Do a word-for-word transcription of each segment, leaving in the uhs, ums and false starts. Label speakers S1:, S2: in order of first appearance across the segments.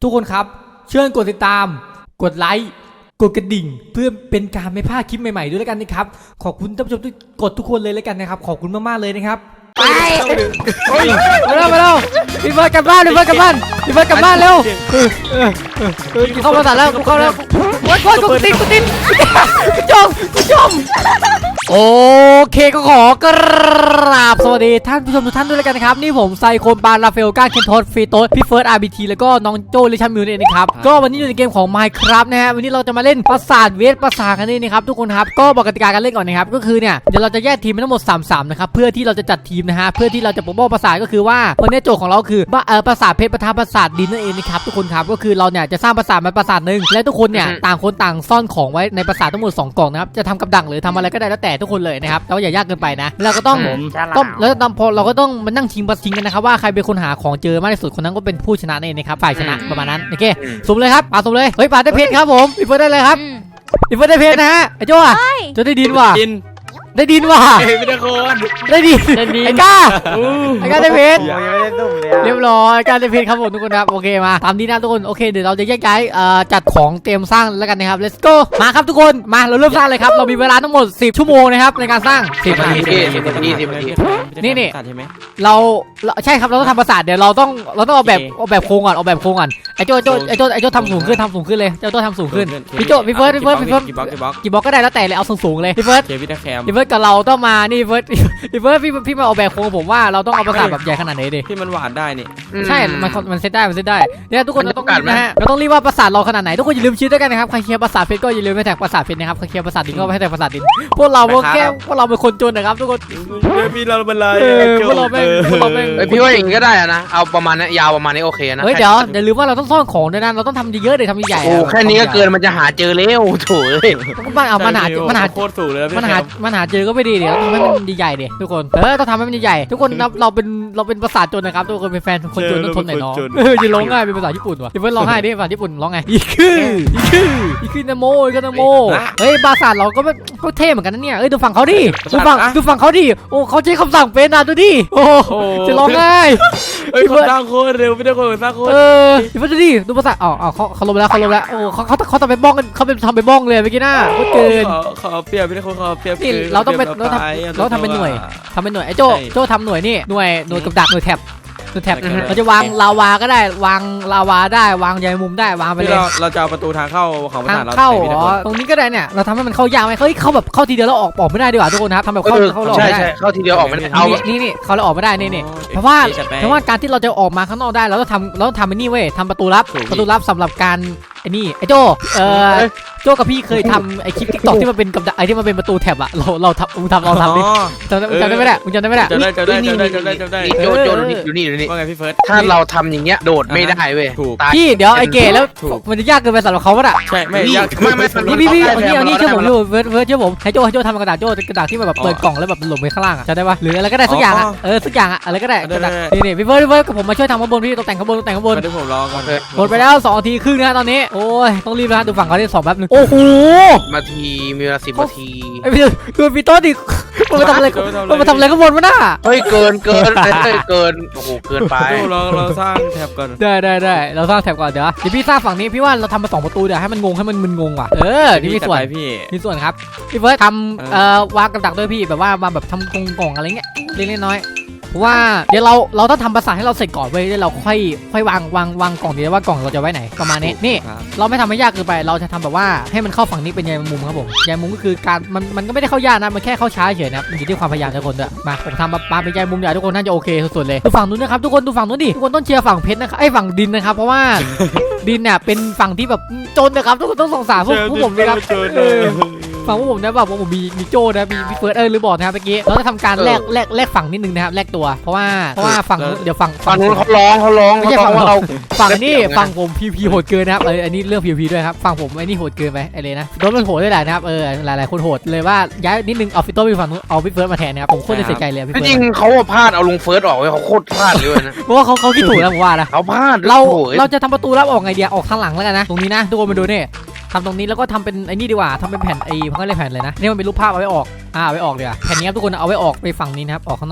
S1: ทุกคนครับเชิญกดติดตามกดไลค์กดกระดิ่งเพื่อเป็นการไม่พลาดคลิปใหม่ๆด้วยแล้วกันนะครับขอบคุณท่านผู้ชมทุกกดทุกคนเลยแล้วกันนะครับขอบคุณมากๆเลยนะครับไปมาแล้วมาแล้วพี่เบิร์ดกลับบ้านพี่เบิร์ดกลับบ้านพี่เบิร์ดกลับบ้านเร็วเข้ามาตัดแล้วกูเข้าแล้ววัดวัดกูติดกูติดกูจมกูจมโอเคก็ขอกราบสวัสดีท่านผู้ชมทุกท่านด้วยแล้วกันนะครับนี่ผมไซโคนปานราเฟลก้าเคนโทสฟรีโต้พี่เฟิร์ส อาร์ บี ที แล้วก็น้องโจลิชันมิวเนี่ยนะครับก็วันนี้อยู่ในเกมของ Minecraft นะฮะวันนี้เราจะมาเล่นปราสาทเวทปราสาทกันนี่นะครับทุกคนครับก็บอกกติกาการเล่นก่อนนะครับก็คือเนี่ยเดี๋ยวเราจะแยกทีมเป็นทั้งหมดสาม สามนะครับเพื่อที่เราจะจัดทีมนะฮะเพื่อที่เราจะปกป้องปราสาทก็คือว่าวันนี้โจทย์ของเราคือเออปราสาทเพชรปะทะปราสาทดินนั่นเองนะครับทุกคนครับก็คือเราเนี่ยจะสร้างปราสาทมาปราสาทนึงและทุกคนเนี่ยต่างคนต่างซ่อนของไว้ในปราสาททั้งหมดสองกล่องนะครับจะทำกับดักหรือทำอะไรก็ได้แล้วแต่ทุกคนเลยนะครับแต่ว่าอย่ายากเกินไปนะเราก็ต้องต้องแล้วตอนพอเราก็ต้องมานั่งชิงบัสชิงกันนะครับว่าใครเป็นคนหาของเจอมากที่สุดคนนั้นก็เป็นผู้ชนะนั่นเองนะครับฝ่ายชนะประมาณนั้นโอเคสุ่มเลยครับปาสุ่มเลยเฮ้ยปาได้เพชรครับผมพี่เฟิร์สได้เลยครับพี่เฟิร์สได้เพชรนะฮะไอ้โจ้อะจะได้ดินว่ะได้ดินว่ะ
S2: ไม่ได้คน
S1: ได้ดินไอ้ก้าไอ้ก้าได้เพชร
S3: ยังไม่ได้ตุ่มเลย
S1: เรียบร้อยการได้เพชรครับผมทุกคนครับโอเคมาตามนี้นะทุกคนโอเคเดี๋ยวเราจะแยกย้ายจัดของเตรียมสร้างแล้วกันนะครับ let's go มาครับทุกคนมาเราเริ่มสร้างเลยครับเรามีเวลาทั้งหมดสิบชั่วโมงนะครับในการสร้างสิบนาที
S3: สิบนาทีสิบนาที
S1: นี่นี่
S2: ใช่ไหม
S1: เราใช่ครับเราต้องทำปราสาทเดี๋ยวเราต้องเราต้องเอาแบบเอาแบบโครงก่อนเอาแบบโครงก่อนไอ้โจ้โจ้ไอ้โจ้ไอ้โจ้ทำสูงขึ้นทำสูงขึ้นเลยเจ้าโจ้ทำสูงขึ้นพี่โจ้พี่เฟิร์สพี่เฟิร์สพี่เฟิร์สกี่บล็อกก็ได้แล้วแต่เลยเอาสูงๆเลยพี่เฟิร์สพี่เฟิร์สกับเราต้องมานี่พี่เฟิร์สพี่เฟิร์สพี่พี่มาเอาแบบโครงผมว่าเราต้องเอาปราสาทแบบใหญ่ขนาดไหนดิ
S2: ที่มันหวานได้นี่
S1: ใช่มันมันเซตได้มันเซตได้เนี่ยทุกคนเราต้องนะฮะเราต้องรีบว่าปราสาทเราขนาดไหนทุกคนอย่าลืมชี้ด้วยกันนะครับใครเคลียร์ปราสาทเพชรก็อย่าลืมไปแท็กปราสาทเพชรนะครับใครเคลียร์ปราสาทดินก็ไปแท็กปราสาทดินพวกเราแค่พวกเราเป็นคนจนนะครับทุกคน
S2: พี่เราเป็นไร
S1: พวกเราเป็นพวกเราเป็น
S3: พี่ว่าอย่างนี้ก็ได้นะเอาประมาณนี้ยาวประมาณนี้โอเคนะ
S1: เฮ้ยเดี๋ยวอย่าลืมว่าเราต้องซ่อนของด้วยนะเราต้องทำเยอะๆเลยทำใหญ่ๆ
S3: โอ้แค่นี้ก็เกินมันจะหาเจอเร็วโถ่เลย
S1: มันเอามันหามันหา
S2: โคตรสูงเลย
S1: มันหามันหาเจอก็ไม่ดีเดี๋ยวทำให้มันใหญ่ๆดิทุกคนเออต้องทำให้มันใหญ่ๆทุกคนเราเป็นเราเป็นภาษาจนนะครับทุกคนเป็นแฟนคนจนต้องทนหน่อยน้องเออจะร้องง่ายเป็นภาษาญี่ปุ่นว่ะเดี๋ยวร้องไห้ดิภาษาญี่ปุ่นร้องไงอีคืออีคืออีคือนะโมอีคือนะโมเฮ้ยภาษาเราก็ก็เท่เหมือนกันนะเนี่ยเอ้ยดูฝั่งเขาดิดูฝั่งดูฝั่งเขาดิโอ้เขาใช้คำสั่งเป็นนะดูดิโอ้จะร้องง่าย
S2: เฮ้ยเขาสร้างโคตรเร็วไม่ได้คนสร้างโคตร
S1: เออดูดิดูภาษาอ๋อเขาเขาลงแล้วเขาลงแล้วโอ้เขาเขาเขาทำเป็นบ้องกันเขาเป็นทำเป็นบ้องเลยเมื่อกี้น่าโคตรเกิน
S2: เขาเปรียบไม่ได้คนเขาเปรียบ
S1: เราต้องเป็นเราทำเราทำเป็นหน่วยทำเป็นหน่วยไอ้โจ้โจ้ทำหน่วยนี่หน่วยหน่วยกับดักหน่วยแท็บหน่วยแท็บเราจะวางลาวาก็ได้วางลาวาได้วางใยมุมได้วางไปเลย
S2: เราจะเอาประตูทางเข้าของปราสาทเรา
S1: เข้าตรงนี้ก็ได้เนี่ยเราทำให้มันเข้ายากไหมเฮ้ยเข้าแบบเข้าทีเดียวแล้วออกออกไม่ได้ดีกว่าทุกคนครับทำแบบเข้าเข้า
S3: ใช่ใช่เข้าทีเดียวออกไม่ได้
S1: เอานี่นี่เขาเราออกไม่ได้นี่นี่เพราะว่าเพราะว่าการที่เราจะออกมาข้างนอกได้เราต้องทำเราต้องทำไอ้นี่เว้ยทำประตูลับประตูลับสำหรับการไอ้นี่ไอ้โจ้เออโจ้กับพี่เคยทำไอ้คลิปทิกตอกที่มันเป็นกับไอ้ที่มันเป็นประตูแถบอะเราเราทำมึงทำเราทำดิจำได้จำได้ไหมเนี่ยมึงจำได้ไหมเนี่ย
S2: จำได้จำได้จำได้จำได้จำได้
S3: โจโจดูนี่ดูนี่ดูนี่
S2: ว่าไงพี่เฟิร์ส
S3: ถ้าเราทำอย่างเงี้ยโดดไม่ได้เว้ย
S1: พี่เดี๋ยวไอ้เก๋แล้วมันจะยากเกินไปสำหรับเขาป่ะ
S2: ใช่ไม่ยาก
S3: ไม่ไม่
S1: พี่พี่พี่เอานี่เอานี่เชื่อผมอยู่เวิร์ดเวิร์ดเชื่อผมให้โจ้ให้โจ้ทำกระดาษโจ้กระดาษที่มันแบบเปิดกล่องแล้วแบบหล่นไปข้างล่างอะจำได้ปะหรืออะไรก็ได้สักอย่างอะเออสักอย่างอะอะไรก็ได้กระดาษนี่นี่พี่เวิร์ดพี่เวิร์ดกับผมมาช่วยทำข้างบนพี่ตกแต่งข้างบนตกแต่งข้างบน
S2: เดี๋ยวผมรอก่อน
S1: หมดไปแล้วสองนาทีครึ่งนะตอนนี้โอ้ยต้องรีบนะดูฝั่งเขาได้สองแป๊บนึงโอ้โห
S3: นาทีมีเวลาสิบนาที
S1: ไอ้พี่คือพี่โต้ดิมันมาทำอะไรมันมาทำอะไรข้างบนวะน่ะ
S3: เฮ้ยเกินเกินเกินโอ้โหเกินไป
S2: เราเราสร้างแถบก่อน
S1: ได้ได้ได้เราสร้างแถบก่อนเดี๋ยวเดี๋ยวพี่สร้างฝั่งนี้พี่ว่าเราทำมาสองประตูเดี๋ยวให้มันงงให้มันมึนงงว่ะเออนี่มีส่วน
S2: พี่
S1: มีส่วนครับพี่เฟิร์สทำเอ่อวางกับดักด้วยพี่แบบว่ามาแบบทำกงกล่องอะไรเงี้ยเล็กๆน้อยว่าเดี๋ยวเราเราต้องทำภาษาให้เราเสร็จก่อนไว้แล้วเราค่อยค่อยวางวางวางกล่องดีว่ากล่องเราจะไว้ไหนประมาณนี้นี่เราไม่ทำให้ยากเกินไปเราจะทำแบบว่าให้มันเข้าฝั่งนี้เป็นใยมุมครับผมใยมุมก็คือการมันมันก็ไม่ได้เข้ายากนะมันแค่เข้าช้าเฉยนะมันอยู่ที่ความพยายามทุกคนด้วยมาผมทำมาเป็นใยมุมใหญ่ทุกคนน่าจะโอเคสุดๆเลยดูฝั่งนู้นนะครับทุกคนดูฝั่งนู้นดิทุกคนต้องเชียร์ฝั่งเพชรนะครับไอ้ฝั่งดินนะครับเพราะว่าดินเนี่ยเป็นฝั่งที่แบบจนนะครับทุกคนต้องสงสารพวกพวกผมนะครับฝั่งพวกผมนะแบบผมมีมีโจนะมีมีเฟิร์สเออหรือบอกนะครับเมื่อกี้เราจะทำการแลกแลกแลกฝั่งนิดนึงนะครับแลกตัวเพราะว่าเพราะว่าฝั่งเดี๋ยวฝั่ง
S3: ฝั่งนู้นเขาร้องเขาร้อง
S1: ไม่ใช่ฝั่งเราฝั่งนี้ฝั่งผมพีพีโหดเกินนะครับเอออันนี้เรื่องพีพีด้วยครับฝั่งผมไอ้นี่โหดเกินไปไอ้เลยนะโดนมันโหดด้วยแหละนะครับเออหลายๆคนโหดเลยว่าย้ายนิดนึงเอาฟิโต้ไปฝั่งนู้นเอาพี่เฟิร์สมาแทนนะครับผมโคตรจะเสียใจเลยพี่เฟิร์ส
S3: จริงเขาพลาดเอาลงเฟิร์สออกไว้เขาโคตรพลาดเลยนะ
S1: เพราะว่าเขาเขาคิดถูกแล้วผมว่านะ
S3: เขาพลาด
S1: เราเราจะทำประตูรับออกไงเดียออกข้างหลังแล้วกันนะตรงนี้นะทุกคนมาดูนี่ทำตรงนี้แล้วก็ทำเป็นไอ้นี่ดีกว่าทำเป็นแผ่นไอ้เขาเรียกแผ่นเลยนะนี่มันเป็นรูปภาพเอาไว้ออกอ่าเอาไว้ออกเลยอะแผ่นนี้ครับทุกคนเอาไว้ออกไปฝั่งนี้นะครับออกข้างนอก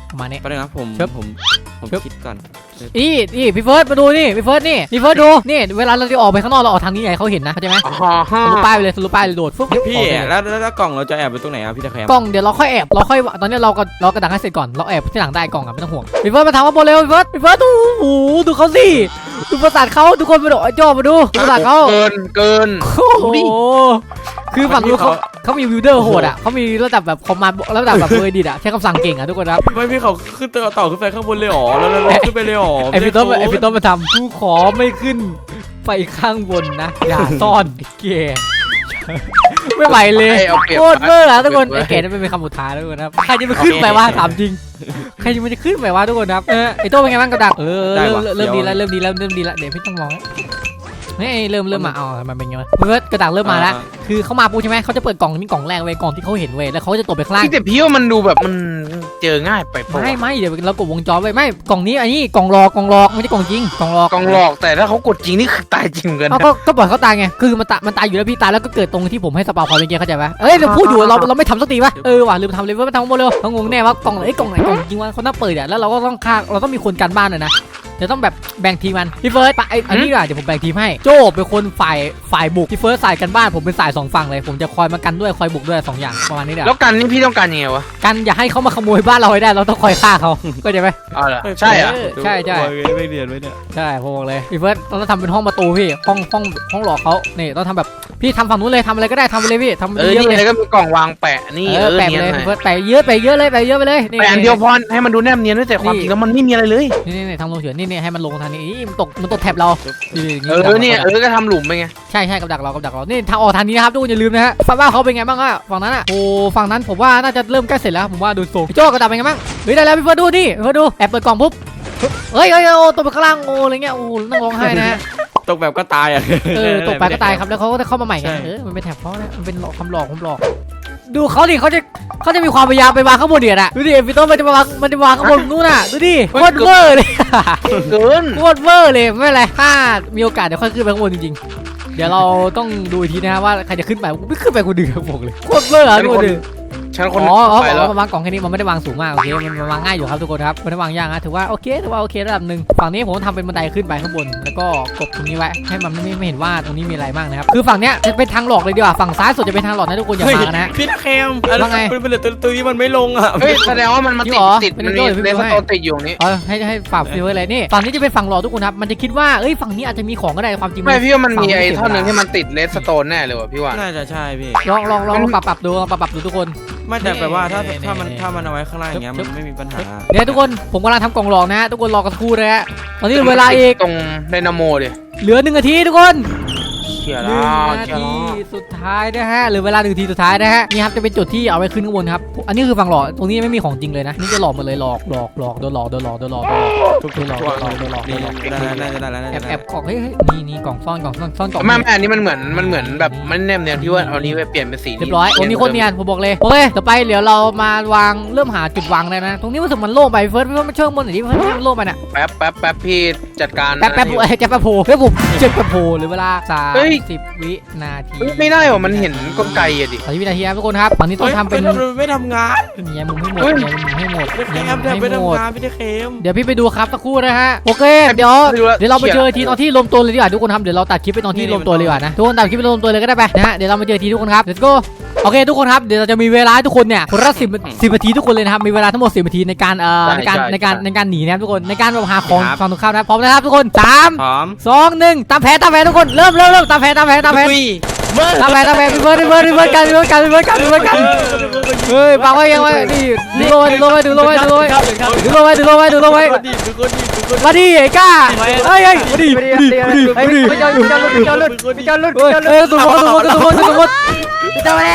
S1: ประมาณนี้
S2: ไปเลยครับผม
S1: ครับ
S2: ผมผม
S1: ครับ
S2: คิดก่อน
S1: อีนี่พี่เฟิร์สมาดูนี่พี่เฟิร์สนี่พี่เฟิร์สดูนี่เวลาเราจะออกไปข้างนอกเราออกทางนี้ไงเขาเห็นนะเข้าใจไหม
S3: อ๋อฮะ
S1: ทะลุป้ายไปเลยทะลุป้ายเลยโดดฟึ๊บ
S2: พี่
S1: ออกไปเลย
S2: แล้วแล้วแล้วกล่องเราจะแอบไปตรงไหนครับพี่ตะแคม
S1: กล้องเดี๋ยวเราค่อยแอบเราค่อยตอนนี้เราก็เรากระดังให้เสร็จก่อนเราแอบที่หลังได้กล่องอ่ะไม่ต้องห่วงพี่เฟิร์สมาทำข้างบนเร็วพี่เฟิร์สพี่เฟิร์สดูโอ้โหดูเขาสิดูประสาทเขาทุกคนมาดูไอ้จอมาดูดูประสาทเขา
S3: เกินเกิน
S1: โอ้โหคือฝั่งนู้นเขาเขามีวิวเดอร์โหดอ่ะเขามีระดับแบบคอมมานด์ระดับแบบเวอร์ดิตอ่ะใช้คำสั่งเก่งอ่ะทุกคนครับ
S2: ไม่พี่เขาขึ้นต่อต่อขึ้นไปข้างบนเลยหรอแล้วแล้วแล้วขึ้นไปเลยหรอ
S1: ไอพี่ต้นไอพี่ต้นมาทำกูขอไม่ขึ้นไปข้างบนนะอย่าซ่อนไอ้เก๋ไม่ไหวเลย
S3: ให้เอาเปรียบ
S1: โคตรเบอร์อะทุกคน
S3: เปรี
S1: ไอ้
S3: ยบ
S1: เก๋นั่นเป็นคำสุดท้ายแล้วทุกคนครับใครจะมาขึ้นไปวะถามจริงใครจะมันจะขึ้นไปวะทุกคนครับเออไอโต้เป็นไงบ้างกับดักเออเริ่มเริ่มดีแล้วเริ่มดีแล้วเริ่มดีแล้วเดี๋ยวพี่ต้องมองเฮ้ยเริ่มเริ่มมาเอามันเป็นไงวะเพื่อกระดักเริ่มมาแล้วคือเขามาปุ๊บใช่ไหมเขาจะเปิดกล่องนี้กล่องแรกเว้ยกล่องที่เขาเห็นเว้ยแล้วเขาจะตกไปข้างล่าง
S3: พี่แต่พี่ว่ามันดูแบบมันเจอง่ายไปปะ
S1: ไม่ไม่เดี๋ยวเรากดวงจรไว้ไม่กล่องนี้อันนี้กล่องรอกล่องรอไม่ใช่กล่องจริงกล่องรอก
S3: กองหลอกแต่ถ้าเขากดจริงนี่คือตายจริงเหมือนกัน
S1: เอา
S3: นะ
S1: ก็ก็ปล่อยเขาตายไง คือมันตายมันตายอยู่แล้วพี่ตายแล้วก็เกิดตรงที่ผมให้สปาพอยเมื่อกี้เข้าใจปะเอ้ยเราพูดอยู่เราเราไม่ทำสักทีปะเออว่ะลืมทำเลยว่าไม่ทำหมดเลยเขางงแน่ว่ากล่องไหนกล่องไหนกล่องจริงวะเขาน่าเปิดอ่ะแล้วเราก็ต้องฆ่าเราต้องมีคนกันบ้านอะนะเดี๋ยวต้องแบบแบ่งทีมมันพี่เฟิร์สไปไอ้อันนี้ดีกว่าเดี๋ยวผมแบ่งทีมให้โจ้เป็นคนฝ่ายฝ่ายบุกพี่เฟิร์สสายกันบ้านผมเป็นสายสองฝั่งเลยผมจะคอยมากันด้วยคอยบุกด้วยสองอย่างประมาณนี้เดี๋ยว
S3: แล้วกันนี่พี่ต้องการยังไงวะ
S1: กันอย่าให้เขามาขโมยบ้านเราให้ได้เราต้องคอยฆ่าเขาเข้าใจไหม
S3: อ๋อเหรอใช่เหรอ
S1: ใช่ใช่
S2: ไม่เรียนไว้เนี่ย
S1: ใช่ผมบอกเลยพี่เฟิร์สต้องทำเป็นห้องประตูพี่ห้องห้องห้องหลอกเขานี่ต้องทำแบบพี่ทำฝั่งนู้นเลยทำอะไรก็ได้ทำไปเลยพี่ทำ
S3: เออ
S1: เยอะ
S3: นี่
S1: ๆเลย
S3: ไงก็มีกล่องวางแปะนี่
S1: เอ
S3: เอ
S1: อ
S3: อ
S1: แปะไป
S3: เนียน
S1: เลย
S3: หน่อย
S1: พี่เฟิร์สแปะเยอะไปเยอะเลยไปเยอะไปเลยนี่
S3: แปะอันเดียวพอให้มันดูแนบเนียนด้วยแต่ความจริงแล้วมันไม่มีอะไรเลย
S1: นี่นี่นี่ทำลงเฉยนี่นี่ให้มันลงทางนี้อีมันตกมันตกแถบเรานี่นี่
S3: เออเนี่ยเออก็ทำหลุมไปไง
S1: ใช่ใช่กับดักเรากับดักเรานี่ทางออกทางนี้นะครับทุกคนอย่าลืมนะฮะฝั่งบ้านเขาเป็นไงบ้างอะฝั่งนั้นอะโอ้ฝั่งนั้นผมว่าน่าจะเริ่มใกล้เสร็จแล้วผมว่าดูทรงพี่โจ้กับดักเป็นไงบ้างเฮ้ยได้แล้วพี่เฟิร์สดูนี่พี่เฟิร์สดูแอบเปิดกล่องปุ๊บเฮ้ยเฮ้ยโอ้ตกไปข้างล่างโอ้อะไรเงี้ยโอ้นั่งร้องไห้นะฮะ
S2: ตกแบบก็ตายอ่ะ
S1: เออตกไปก็ตายครับแล้วเขาก็จะเข้ามาใหม่ไง
S2: ใช่
S1: เออมันเป็นแถบเขานะมันเป็นหลอกคำหลอกคำหลอกดูเขาดิเขาจะเขาจะมีความพยายามไปวางข้างบนเดียดอะดูดิพี่ต้นมันจะมาวางมันจะวางข้างบนนู่นน่ะดูดิโคตรเวอร์เลย
S3: เกิน
S1: โคตรเวอร์เลยไม่เป็นไรถ้ามีโอกาสเดี๋ยวค่อยขึ้นไปข้างบนจริงๆเดี๋ยวเราต้องดูอีกทีนะฮะว่าใครจะขึ้นไปไม่ขึ้นไปคนเดียวบอกเลยโคตรเวอร์อะทุกคน
S3: ฉันคน
S1: อ๋ออ๋อ
S3: ไปแล้ว
S1: มันวางกล่องแค่นี้มันไม่ได้วางสูงมากโอเคมันมันวางง่ายอยู่ครับทุกคนครับไม่ได้วางยากนะถือว่าโอเคถือว่าโอเคระดับหนึ่งฝั่งนี้ผมทำเป็นบันไดขึ้นไปข้างบนแล้วก็กดตรงนี้ไว้ให้มันไม่ไม่เห็นว่าตรงนี้มีอะไรบ้างนะครับคือฝั่งเนี้ยจะเป็นทางหลอกเลยดีกว่าฝั่งซ้ายสุดจะเป็นทางหลอกนะทุกคนอย่ามากันนะ
S2: พี่ตะแคม
S1: ว่าไง
S2: มันเป็นเหลือตัวนี้มันไม่ลงอ่ะ
S3: เฮ้ยแสดงว่ามันมา
S1: จริ
S3: ติ
S1: ง
S3: ด
S1: เหรอ
S3: ติด
S1: เป็น
S3: มัน
S1: โจ้
S3: มี
S1: หรือเป็น
S3: เลส
S1: โจ้
S3: โตนติดอยู่นี้
S1: เออให้ให้ฝากฟิวไว้เลยนี่ฝั่งนี้จะเป็นฝั่งหลอกทุกคนครับมันจะคิดว่าเอ้ยฝั่งนี้อาจจะมีของก็ได้ความจริง
S3: ไม่พี่ว่ามันมี
S1: ฝั่
S3: ไอ้
S1: เสีย
S3: ท่อนหนึ่ง
S1: เวล
S3: ที่มันติดเลสโตนแน่เลยว่ะพี่ว่า
S2: น่าจะใช่พี่
S1: ลองลองลองลองปรับปรับดูลองปรับปรับดูทุกคน
S2: ไม่แต่แบบว่าถ้า
S1: นี่
S2: ถ้ามัน
S1: นี่
S2: ถ้ามันเอาไว้ข้างล่างอย่างเงี้ยมันไม่มีปัญหา
S1: เนี่ยทุกคนผมกำลังทำกล่องหลอกนะฮะทุกคนรอกันสักครู่นะฮะตอนนี้เหลือเวลาอีก
S3: ตรงไดนาโมดิ
S1: เหลือหนึ่งนาทีทุกคน
S3: เขีย
S1: หนึ่
S3: แล้
S1: ง
S3: ว
S1: นา
S3: เขีย
S1: ที
S3: แล้ว
S1: สุดท้ายนะฮะหรือเวลาหนึ่งนาทีสุดท้ายนะฮะนี่ครับจะเป็นจุดที่เอาไว้ขึ้นข้างบนครับอันนี้คือฝั่งหลอกตรงนี้ไม่มีของจริงเลยนะนี่จะหลอกหมดเลยหลอกหลอกหลอกโดนหลอกโดนหลอกโดนหลอกโดนหลอก
S2: ทุก
S1: โดนหลอก
S2: ตัว
S1: โดนหลอกโดนหลอกโด
S2: นี่
S1: นหลอก
S2: ได้แล้วน่าจะได้แล้วน่า
S1: แอ
S2: จะ
S1: บ
S2: ได้
S1: แอบกล่องเฮ้ยเฮ้ยนี่นี่กล่องซ่อนกล่องซ่อนซ่อนกล่อง
S3: ไม่ไม่อันนี้มันเหมือนมันเหมือนแบบมันแนบเนียนที่ว่าเอานี้ไปเปลี่ยนเป็นสี
S1: เรียบร้อยตรงนี้โคตรเนียนผมบอกเลยโอเคต่อไปเดี๋ยวเรามาวางเริ่มหาจุดวางเลยนะตรงนี้รู้สึกมันโล่งไปเฟิร์สเฟิร์สมันเชิงบนหน่อยดิเฟิร์สมันโล่งไปน่ะ
S3: แป๊บแป๊บแป๊บพี่จัดการ
S1: แป๊บแป๊บโอ้ยแป๊บแป๊บโผล่เฮ้ยผมเจ็บแป๊บโผล่หรือเวลาสามสิบวินาที
S3: เฮ้ยไม่ได้หรอมันเห็นกลไกอะดิ
S1: สามสิบวินาทีครับทุกคนครับตอนนี้ต้องทำเป็น
S2: ไม่ทำงาน
S1: แย่มุมให้หมด
S3: เฮ้ย
S1: แย่มุมให้หมด
S2: พี่ตะแค
S1: แย่
S2: ม
S1: มุม
S2: ไม่
S1: ให้หมด
S2: ทำงานพี่ตะแคม
S1: เดี๋ยวพี่ไปดูครับสักครู่นะฮะโอเคเดี๋ยวเดี๋ยวเราไปเจอทีตอนที่รวมตัวเลยดีกว่าทุกคนครับเดี๋ยวเราตัดคลิปไปตอนที่รวมตัวเลยดีกว่านะทุกคนตัดคลิปไปรวมตัวเลยก็ได้ไปนะฮะเดี๋ยวเรามาเจอทีทุกคนครับ let's go โอเคทุกคนครับเดี๋ยวเราจะมีเวลาให้ทุกคนเนี่ยคนละสิบสิบนาทีทุกคนเลยนะครับมีเวลาทั้งหมดสิบนาทีในการเอ่อในการในการในการหนีนะครับทุกคนในการแบบหาของฝั่งตรงข้ามนะพร้อมนะครับทุกคนสาม
S2: พร้อม
S1: สองหนึ่งตามแผนตามแผนทุกคนเริ่มเริ่มเริ่มตามแผนตามแผนตามแผน ตามแผนตามแผนพี่เบิร์ดพี่เบิร์ดพี่เบิร์ดกันพี่เบิร์ดกันพี่เบิร์ดกันพี่เบิร์ดกันเฮ้ยปังไว้ยังไว้นี่ดูลงไว้ดูลงไว้ดูลงไว้ดูลงไว้ดูลงไว้ดูลงไว้ดูลงไว้
S2: คนดีเป็นคนดีเป็นคนดี
S1: มาดิไอ้ก้าเฮ้ยเฮ้ยมาดิมาดิมาดิมาดิมาดิ
S2: เป็นคนดีเป็นคนดี
S1: เฮ้ยเฮ้ยตุ่มหมดตุ่มหมดตุ่มหมดตุ่มหมด
S4: จะมาเลย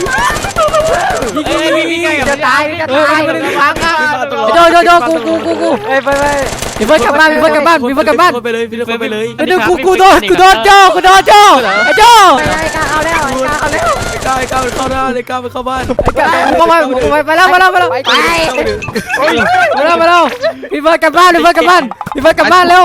S1: จะตายจะตายฟังอ่ะโจโจโจกูกูกูกู
S4: ไปไปไป
S1: พี่เบิร์ดกลับบ้านพี่เบิร์ดกลับบ้านพี่เบิร์ดกลับบ้าน
S2: ไปเลยพี่ไปเลย
S1: ไอ้เดี๋ยวกูกูโดนกูโดนโจกูโดนโจไอ้โจ
S4: ไปเลยกาเอาแล้วกาเอาแล้ว
S2: ไอ้ก้าวไอ้ก้าวเข้าหน้าเลยก้าวไปเข้าบ้าน
S1: เข้ามาไปแล้วไปแล้วไปแล้ว
S4: ไป
S1: มาแล้วมาแล้วพี่เบิร์ดกลับบ้านพี่เบิร์ดกลับบ้านพี่เบิร์ดกลับบ้านเร็ว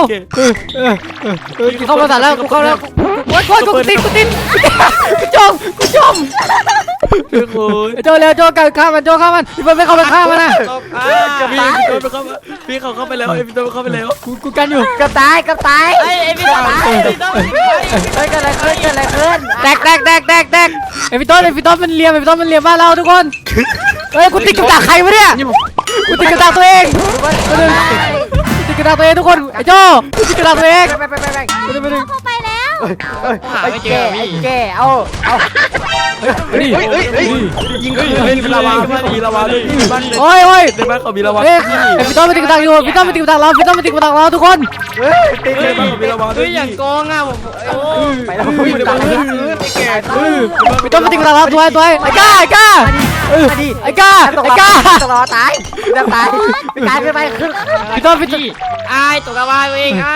S1: เข้ามาตัดแล้วกูเข้าแล้วโอ๊ยโอ๊ยกูติดกูติดกูจมกูจม
S2: ทุกคน
S1: ไอ้โจเร็วโจกันฆ่ามันโจฆ่ามันพี่เฟิร์นไม่เข้าไปฆ่ามันนะ
S2: พี่พี่โดนไปเข้ามาพี่เขาเข้าไปแล้วไอ้พี่โดนเข้าไปแล้ว
S1: กูกูกันอยู่
S4: กับตายกับตาย
S5: ไอ้ไอ้พี่ตายพี่ต้อง
S4: เฮ้ยเกิดอะไรขึ้นเกิดอะไรขึ้น
S1: แตกแตกแตกแตกแตกไอ้พี่ต้นไอ้พี่ต้นมันเลียมไอ้พี่ต้นมันเลียมบ้านเราทุกคนเฮ้ยกูติดกับดักใครวะเนี่ยกูติดกับดักตัวเองติดกับดักตัวเองทุกคนไอ้โจกูติดกับดักตัวเอง
S4: ไปไปไปไป
S1: ไปเลยไปเลย
S5: เข้าไปแล้วหา
S4: ไอ้
S5: ไม่เจ
S4: แก่
S5: อ
S4: ไอ้
S5: พี่
S4: แก่เอาเอา
S1: นี่
S2: ยิงเฮ้ยมีลาวาพี่มีลาวาด้วยบ้าน
S1: โอ้ยโอ้ย
S2: ในบ้านเขามีลาวา
S1: เฮ้ยไอ้พี่ต้นมาติดกับดักอยู่พี่ต้นมาติดกับดักเราพี่ต้นมาติดกับดักเราทุกคน
S4: เฮ้ยตี
S2: ในบ้านเขามีลาวาด้
S5: เฮ้
S2: วย
S5: ยอย่างโกงอ่ะผมโอ้
S4: ไปแล้ว
S2: เฮ้ย
S4: ไป
S2: เดี๋ยว
S4: แล้ว
S2: ไอ้แก่
S1: พี่ต้นมาติดกับดักเราตัวตัวไอ้ก้าไอ้ก้าเออไอ้ก้าไอ้ก้า
S4: ตลอดตายจะตายไปตายขึ้นไปขึ้น
S1: พี่ต้นพี่ต้น
S5: ไอ้ตกกระบาเองไอ้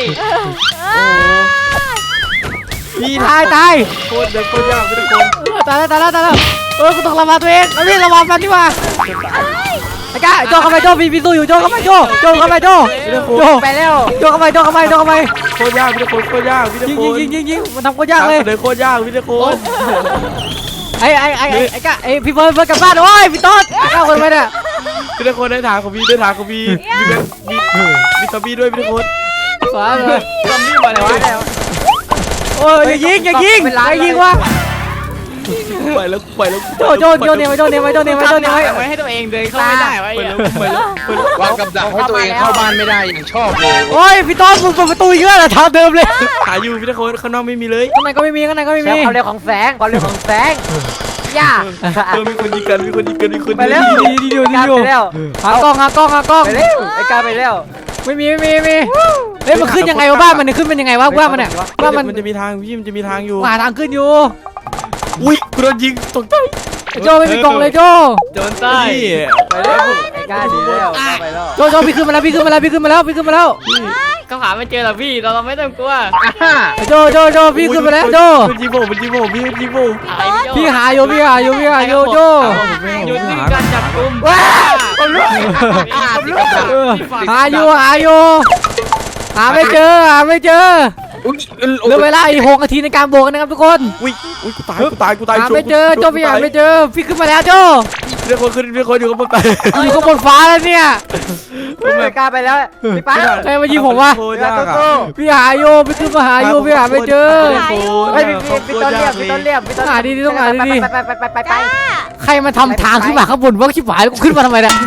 S2: พี่
S1: ตายตาย
S2: โคตรเด็กโคตรยากทุกคน
S1: ตายแล้วตายแล้วตายแล้วเออกูต้องระวังตัวเองเอาพี่ระวังมันดีกว่าไอ้ก้าโจเข้าไปโจพี่พี่สู้อยู่โจเข้าไปโจโจเข้าไปโจโจ
S4: ไปแล้ว
S1: โจเข้าไปโจเข้าไปโจเข้าไป
S2: โคตรยากพี่ทุกคนโคตรยากพี่ทุก
S1: ยิง
S2: คน
S1: ยิงยิงยิงมันทำก็ยากเลย
S2: เลยโคตรยากพี่ทุกคน
S1: ไอ้ไอ้ไอ้ไอ้ก้าไอ้พี่เฟิร์นเฟิร์นกลับบ้านโอ้ยพี่ต้นก้าคนไปเนี่ย
S2: พี่ทุกคนได้ทางของพี่ได้ทางของพี่มีมีมีซอมบี้ด้วยพี่ทุกคน
S1: สวยเลย
S5: ซอมบี้มาเลยวะ
S1: โอ้ยอย่ายิงอย่ายิงอย่ายิงวะ
S2: ไปแล้วไปแล้ว
S1: โจโจโจเนี่ยไว้โจเนี่ยไว้โจเนี่ยไว้โจเนี่ยไว้
S5: ไว้ให้ตัวเองเดินเข้าไม่ได้ไว้
S2: ไปแล้วไปแล้วไปแล้ว
S3: วางกับดักให้ตัวเองเข้าบ้านไม่ได้อย่างชอบเลย
S1: โอ้ยพี่ต้นมึงเปิดประตูเยอะเหรอทางเดิมเลย
S2: หาอยู่พี่ทุกคนข้างนอกไม่มีเลย
S1: ข้างในก็ไม่มีข้างในก็ไม่
S4: แช
S1: มี
S4: มป์ความเร็วของแสงความเร็วของแสงย่า
S2: เออมีคนยิงกันมีคนยิงกันมีคน
S4: ไปแล้ว
S1: ดีดีดีดี
S4: การ
S1: อยู่
S4: ไปแล้ว
S1: หากล้องหากล้องหากล้อง
S4: ไปแล้วไอ้การไปแล้ว
S1: ไม่มีไม่มีไม่มีเฮ้ยมันขึ้นยังไงวะบ้านมันเนี่ยขึ้นเป็นยังไงวะบ้านมันเนี่ยบ้านมัน
S2: มันจะมีทางพี่มันจะมีทางอยู่
S1: หาทางขึ้นอยู่
S2: อุ้ยกูโดนยิงตกใจ
S1: ไอ้โจไม่มีกล่องเลยโจ
S5: โดนใต้
S2: พี่
S4: ไปแล้วไอ้การดีแล้วไปแล้ว
S1: โจโจพี่ขึ้นมาแล้วพี่ขึ้นมาแล้วพี่ขึ้นมาแล้วพี่ขึ้นมาแล้ว
S5: เขาหาไม่เจอหรอกพี่เราเราไม่ต้องกลัว
S1: ไอ้โจโจโจพี่ขึ้นมาแล้วโจ
S2: มันยิงผมมันยิงผมพี่มันยิงผม
S1: พี่หาอยู่พี่หาอยู่พี่หาอยู่โจ
S5: หยุดที่การจับกุม
S4: ว้าวผมรู้
S1: เออหาอยู่หาอยู่หาไม่เจอหาไม่เจอ
S3: อุ้ย
S1: เหลือเวลาอีกหกนาทีในการโบกนะครับทุกคน
S2: อุ้ยอุ้ยกูตายกูตายกูตาย
S1: หาไม่เจอโจพี่หาไม่เจอพี่ขึ้นมาแล้วโจ
S2: เรียกคนขึ้นเรียกคนอยู่กับผมไป
S1: อยู่ข้างบนฟ้าแล้วเนี่ย
S4: ไอ้การไปแล้วพี่ป้า
S1: ใครมายิงผมวะ
S2: โคตรยากอ่ะ
S1: พี่หาอยู่พี่ขึ้นมาหาอยู่พี่หาไม่เจอ
S4: เฮ้ยพี่พี่ต้นเรียบพี่ต้นเรียบพี่ต้นไปไปไปไปไป
S1: ใครมาทำทางขึ้นมาข้างบนว่าชิบหายแล้วกูขึ้นมาทำไมเนี่ย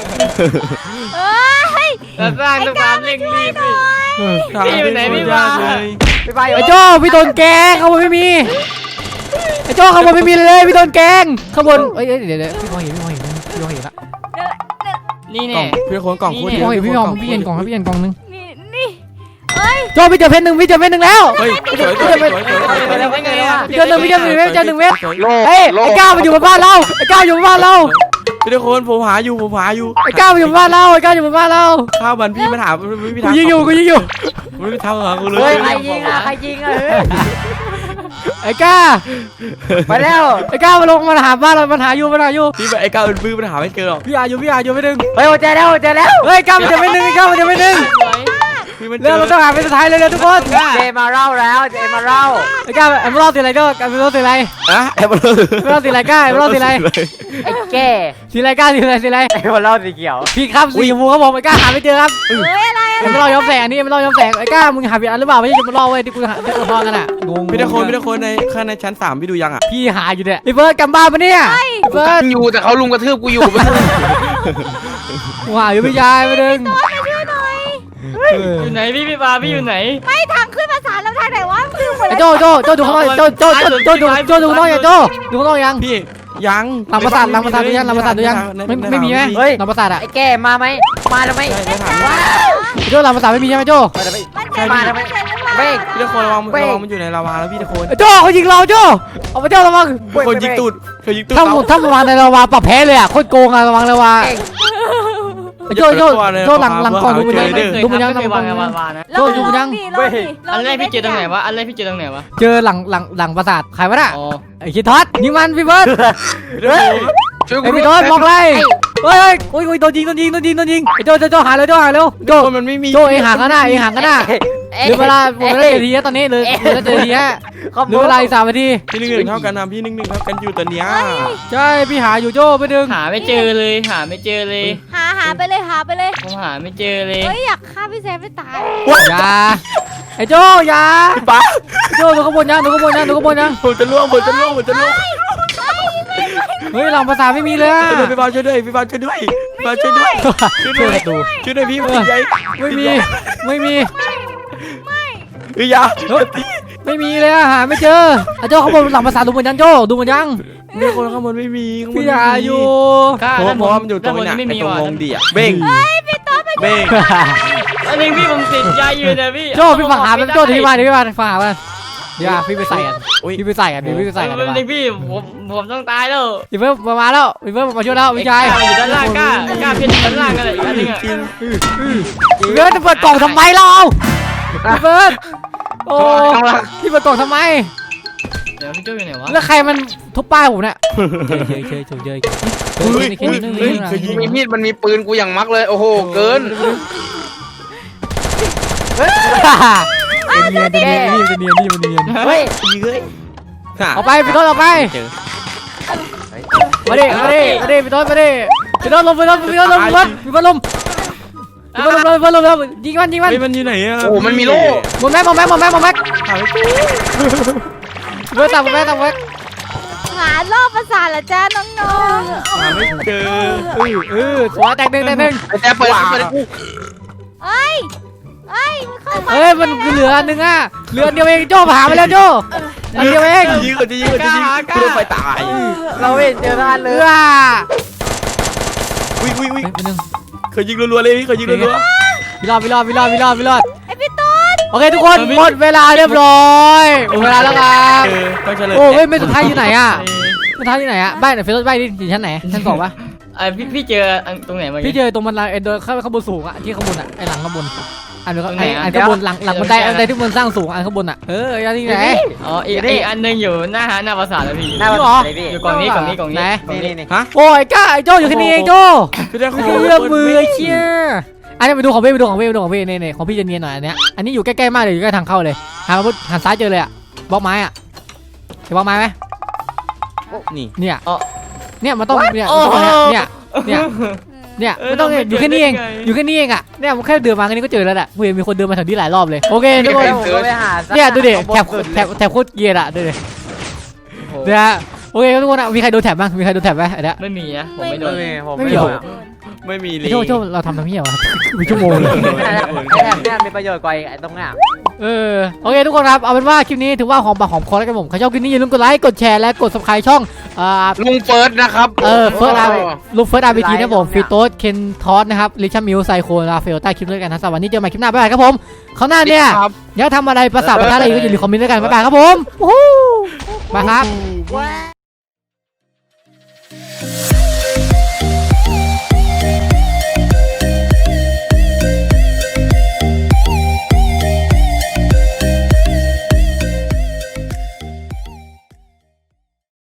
S5: เราสร้างสะพานเร่งรีบพี่ พี่อยู่ไหนพี่วะ
S2: เลย
S4: ไปไป
S1: ไอ้โจ้พี่โดนแกงข้างบนไม่มีไอ้โจ้ข้างบนไม่มีเลยพี่โดนแกงข้างบนเอ้ยเดี๋ยวเดี๋ยวพี่มองเห็นพี่มองเห็นพี่มองเห็นละ
S5: นี่
S2: กล่อ
S5: แน่
S2: งพี่คนกล่องโคตร
S1: พี่
S2: เย
S1: มอง
S2: อะ
S1: เห็นพี่มองพี่เห็นกล่องครับพี่เห็นกล่องนึง
S6: นี่นี่เอ้ย
S1: โจ้พี่เจอเพชรหนึ่งพี่เจอเพชรหนึ่งแล้ว
S2: เฮ้ยสวยสวยสวยสวยสวย
S5: ไปแล้วไปไงอ่ะ
S1: เจอหนึ่งพี่เจอหนึ่งเว็บเจอหนึ่งเว็บ
S3: โลก
S1: เฮ้ย
S3: โล
S1: ไอ้
S3: ก
S1: ก้าวมันอยู่บนบ้านเราไอ้ก้าวอยู่บนบ้านเรา
S2: พี่ทุกคนผมหาอยู่ผมหาอยู่
S1: ไอ้ก้าวมันอยู่บนบ้านเราไอ้ก้าวอยู่บนบ้านเรา
S2: ข้าวมันพี่มันหามันไม่มี
S1: กู
S2: ทาง
S1: ยิงอยู่กูยิงอยู่
S2: มันไม่มีทางหากูเลย
S4: เฮ้ยใครยิงอ่ะใครยิงอ่ะเฮ้ย
S1: ไอ้ก้า
S4: ไปแล้ว
S1: ไอ้ก้าวมาลงมาหาบ้านเรามันหาอยู่มันหาอยู่
S2: พี่ไอ้ก้าวเป็นบื้อมันหาไม่เจอหรอก
S1: พี่หาอยู่พี่หาอยู่ไม่ดึง
S4: เฮ้ยเจอแล้วเจอแล้ว
S1: เฮ้ยก้าวมันจะไม่ดึงไอ้ก้าวมันจะไม่ดึง
S2: พี่มันเจ
S1: เร็ว
S2: อ
S1: เราต้องหาเป็นสุดท้ายเลยเร็วทุกคน
S4: เจมาเล่าแล้วเจมาเล่า
S1: ไอ้ก้าไอ้ไม่รอดสีอะไรก็ไอ้ไม่รอดสีอะไร
S2: อะแอบมาเลย
S1: ไม่รอดสีอะไรก้าไอ้ไม่รอดสีอะไร
S4: ไอ้แก่
S1: สีอะไรก้าสีอะไรสีอะไร
S4: ไอ้มาเล่าสีเขียว
S1: พี่ครับสีชมพูครับผมไอ้ก้าหาไม่เจอครับ
S6: เอ้ยอะไร
S1: ไอ้ไม่รอดย้อมแสงอันนี้ไม่รอดย้อมแสงไอ้ก้ามึงหาผิดอันหรือเปล่าไม่ใช่จะมารอเว้ยที่กูหาที่กูทองกันอ่ะงง
S2: พี่ทุกคนพี่ทุกคนในข้างในชั้นสามพี่ดูยังอ่ะ
S1: พี่หาอยู่เนี่ยพี่เบิร์ดกำบ้านปะเนี่ยพี่เบิร์ด
S3: อยู่แต่เขาลุมกระทืบกูอยู่
S1: กูหาอยู่พี่ชายไปดึง
S6: มาช่วยหน่อย
S5: อยู่ไหนพี่พี่ปาพี่อยู่ไหน
S6: ไม่ทางขึ้นมาศาลเราทางไหนวะคือหมด
S1: ไอ้
S6: แล้ว
S1: โจโจโจดูข้างนอกโจโจโจโจดูโจดูข้างนอกยังโจดูข้างนอกยัง
S2: พี่ยัง
S1: หลังประสาทหลังประสาทดูยังหลังประสาทดูยังไม่ไม่มีไหมหลังประสาทอ่ะ
S4: ไอ้แก่มาไหมมาแล้วไหม
S1: โจหลังประสาทไม่มีใช่ไหมโจ
S4: มาแล้วไหม
S6: มัน
S4: มาแล้วไหมเบรก
S2: พี่ทุกคนระวังระวังมันอยู่ในลาวาแล้วพี่ทุกคน
S1: โจเขายิงเราโจเอาไปโจระวัง
S2: คนยิงตูดเขายิงตูด
S1: ถ้า
S2: เขา
S1: ถ้าระวังในระวาปรับแพ้เลยอ่ะโคตรโกงอ่ะระวังระวาโจโจโจหลังหลังกล่องดูมันยังดูมันยัง
S5: ไม่
S1: ดู
S5: วา
S1: มัน
S5: ง
S1: ยัง
S5: วางวางนะ
S1: โจดูมันยัง
S6: ลองดิล
S5: อั
S6: อง
S5: น
S6: ดิ
S5: แรกพี่เจอตรงไหนวะอันแรกพี่เจอตรงไหนวะ
S1: เจอหลังหลังหลังประสาทใครวะน่ะ
S5: อ๋อ
S1: ไอ้คิดทอดยิงมันพี่เบิร์ด
S2: พี่ทุกคน
S3: ช่วยกู
S1: ไอ้พี่โดนบอกเลยเฮ้ยโอ้ยโอ้ยโดนยิงโดนยิงโดนยิงโดนยิงไอ้โจโจโจหายแล้วโจหายแล้วโจ
S2: คนมันไม่มี
S1: โจเองห่างกันหน้าเองห่างกันหน้าเหลือเวลาหมดเวลาเจ็ดนาทีแล้วตอนนี้เหลือเหลือเจ็ดนาทีฮะ
S4: ขอบ
S1: เหลือเวลาอีกสามนาที
S2: พี่หนึ่งหนึ่งเท่ากันนะพี่หนึ่งหนึ่งเท่ากันอยู่ตอนเนี้ย
S1: ใช่พี่หาอยู่โจ้ไปดึง
S5: หาไม่เจอเลยหาไม่เจอเลย
S6: หาหาไปเลยหาไปเลย
S5: ผมหาไม่เจอเลย
S6: เฮ้ยอยากฆ่าพี่แซมไม่ตาย
S1: อย่าไอ้โจ้อย่า
S2: ป้า
S1: โจ้ดูข้างบนยังดูข้างบนยังดูข้างบนยัง
S2: ผมจะล่วงผมจะล่วงผมจะล่วง
S1: เฮ้ยหลังภาษาไม่มีเลยอะ
S2: ช่วยด้วยพี่บอลช่วยด้วยพี่บอลช่วยด้วยพี่บอลช่วยด้วยช่วย
S1: ช่
S2: ด้
S1: ว
S2: วย ย
S1: ประตู
S2: ช่วยด้วยพี่มันใหญ่
S1: ไม่มีไม่มี
S2: เฮ้ยอยา
S1: เฮ้ยไม่มีเลยอะหาไม่เจอไอ้โจ้ข้างบนหลังภาษาดูหมดยังโจ้ดูหมดยัง
S2: เนี่ยคนข้างบนไม่มีข้างบน
S1: พี่
S2: ไม่
S1: หา
S2: มี
S1: อยู่
S5: ข้า
S2: เพราะ
S5: ด้านบ
S2: เพราะว่ามันอยู่ตรง
S5: ด้า
S2: นี้
S5: บ
S2: นะ
S5: ไม่
S2: ไอ้
S5: มี
S2: ตรง
S5: ว่ะ
S2: วงดีอ่ะเบ้งเบ้ง
S5: อันนี้พี่ผมติดยาอยู่นะพี่
S1: โจ้พี่มาหามันโจ้ที่บ้านที่บ้านฝากมันเดี๋ยวพี่ไปใส่กัน
S2: อุ้ย
S1: พี่ไปใส่กันพี่ไปใส่กัน
S5: เป็
S1: ดี
S5: น
S1: กว่า
S5: เด็กพี่ผมผมต้องตายแล้ว
S1: พี่เพิ่มมาแล้วพี่เพิ่มมาช่วยแล้วพี่ชาย
S5: อยู่ด้านล่างกล้ากล้าเพี้ยนด้านล่างกันเลยอีกอันนึงอ่ะ
S1: พี่เพิ่มจะเปิดกล่องทำไมเราพี่เพิ่มโอ้พี่เปิดกล่องทำไม
S5: เดี๋ยวพี่โจ้อยู่ไหนวะ
S1: แล้วใครมันทุบป้ายผมเนี่ยเฉยเฉยเฉยเฉยเฉย
S2: เฮ้ย
S1: เฉย
S2: เฮ้ยเคยยิง
S3: มีมีดมันมีปืนกูอย่างมักเลยโอ้โหเกิน
S1: เนียนเนียนนี่เนียนนี่มันเนียน
S4: เฮ้ย
S2: ยิงเลยค่ะ
S1: เอาไปพี่ต้นเอาไป
S2: เจอ
S1: มาดิมาดิมาดิพี่ต้นมาดิพี่ต้นลงพี่ต้นพี่ต้นลงพี่ต้นพี่ต้นลงพี่ต้นลงพี่ต้นลงพี่ต้นยิงมันยิงมัน
S2: เฮ้ยมันอยู่ไหนอ่ะ
S3: โอ้มันมีโล่
S1: หมดแม็กหมดแม็กหมดแม็กหมดแม็ก
S2: หาไม่เจอ
S1: เบอร์ต่ำหมดแม็กต่ำแม็ก
S6: หารอบประสาทเหรอจ้าน้อง
S2: หาไม่เจอ
S1: เออเออสวยแตกหนึ่งแตกหนึ่ง
S3: ไอ้แต่เปิดเปิดกู
S6: ๆเอ้ยเอ้ยมันเข้ามา
S1: เอ้ยมันเหลือหนึ่งอ่ะเหลือเดียวเองโจ้หาไปแล้วโจ้อันเดียวเอง
S2: จะยิงจะยิงจะยิงกูโดนไฟตาย
S4: เราไม่เห็นเจอท่าน
S1: เอ
S4: เลย
S1: อ
S2: อุ้ยอุ้ยอุ้ย
S1: เฮ้ยไปหนึ่ง
S2: เคยยิงรัวๆเลยพี่เคยยิงรัว
S1: พี่รอดพี่รอดพี่รอดพี่รอดพี่รอด
S6: ไอพี่ต้น
S1: โอเคทุกคนหมดเวลาเรียบร้อยหมดเวลาแล้วครั
S2: ๆ
S1: บ
S2: เจอต้องเฉลย
S1: โอ้เฮ้ยไม่สุดท้ายอยู่ไหนอ่ะสุดท้ายอยู่ไหนอ่ะบ้านไหนเฟซบุ๊กบ้านนี่อยู่ชั้นไหนชั้นสองปะ
S5: ไอพี่พี่เจอตรงไหนมา
S1: พี่เจอตรงบันไดไอ้โดยข้างข้างบนสูงอ่ะที่ข้างบนอ่ะไอ้หลังข้างบนอันนี้
S5: ตรงไหน
S1: ไอ้
S5: อะ
S1: อันข้างบนหลังหลังบันไดอันใดที่มันสร้างสูงอันข้างบนอ่ะเอออันนี้ไหน
S5: อ๋ออีกอีกอันนึงอยู่หน้าหาหน้าภาษาแล้วพี่
S4: หน้า
S1: จริ
S4: บ้าง
S1: เหรอ
S4: นเลยพี่
S5: อยู่กล่องนี้กล่องนี้กล่องนี้
S1: ไหน
S5: กล่อง
S4: นี่
S5: นี้
S4: นี่
S2: ฮะ
S1: โอ้ยก้าไอ้โจ้อยู่แค่นี้เองโจ้
S2: พี่ได้
S1: ไม่ใช่เรื่องมือไอ้เชี่ยอันนี้ไปดูของพี่ไปดูของพี่ไปดูของพี่นี่นี่ของพี่จะเนียนหน่อยอันเนี้ยอันนี้อยู่ใกล้ๆมากเลยอยู่ใกล้ทางเข้าเลยหันมาปุ๊บหันซ้ายเจอเลยอ่ะบล็อกไม้อ่ะเห็นบล็อกไม้ไหม
S2: นี่
S1: เนี่ย
S5: อ๋อ
S1: เนี่ยมันต้องเนี่ย
S5: โอ้
S1: มัน
S5: โห
S1: ต้องเนี่ยเนี่ยเนี่ย
S5: เออ
S1: มันต้อง
S5: เราไม่
S1: อยู่แค่นี้เอง
S5: เจอได้ไง
S1: อยู่แค่นี้เองอ่ะเนี่ยมันแค่เดินมาแค่นี้ก็เจอแล้วแหละกูเห็นมีคนเดินมาแถวนี้หลายรอบเลยโอเคทุกคน
S4: แล้วผมก็ไปหาสัก
S1: เนี่ยดูดิ
S4: ข้างบน
S1: แถบ
S4: สุด
S1: แถ
S4: เลย
S1: บแถบโคตรเกรียร์อ่ะดูดิเนี่ยฮะโอเคครับทุกคนอ่ะมีใครโดนแถบบ้างมีใครโดนแถบไหมอันเนี้ย
S5: ไม่มีนะผมไม่โดน
S4: ไม่มีผม
S1: ไม่
S4: ไม่
S1: มี
S4: โด
S1: เหร
S4: น
S1: อ
S2: ไม่มีเล
S1: ไอ้
S2: ย
S1: โจ้โจ้เราทำทำเหี้ยวะมีชั่วโมงเลย
S4: ไอ้แถบไอ้แถบเนี่ยมีประโยชน์กว่าไอ้ตรงเนี้ย
S1: เออโอเคทุกคนครับเอาเป็นว่าคลิปนี้ถือว่าหอมปากหอมคอแล้วกันผมใครชอบคลิปนี้อย่าลืมกดไลค์กดแชร์และกด subscribe ช่องอ่า
S3: ลุงเฟิร์สนะครับ
S1: เออเฟิร์สอาร์
S3: โ
S1: ลูกเฟิร์สอาร์บีทีนะผมฟีโต้เคนทอสนะครับลิชัมมิวไซโคราเฟลใต้คลิปด้วยกันนะสำหรับวันนี้เจอกันใหม่คลิปหน้าบ๊ายบายครับผมเขาวหน้าเนี่ย
S3: ครับ
S1: อยากทำอะไรประสาทประทานอะไรอีกก็อย่าลืมคอมเมนต์ด้วยกันบ๊ายบายครับผมวู้ฮู้บายครับ
S6: ว้า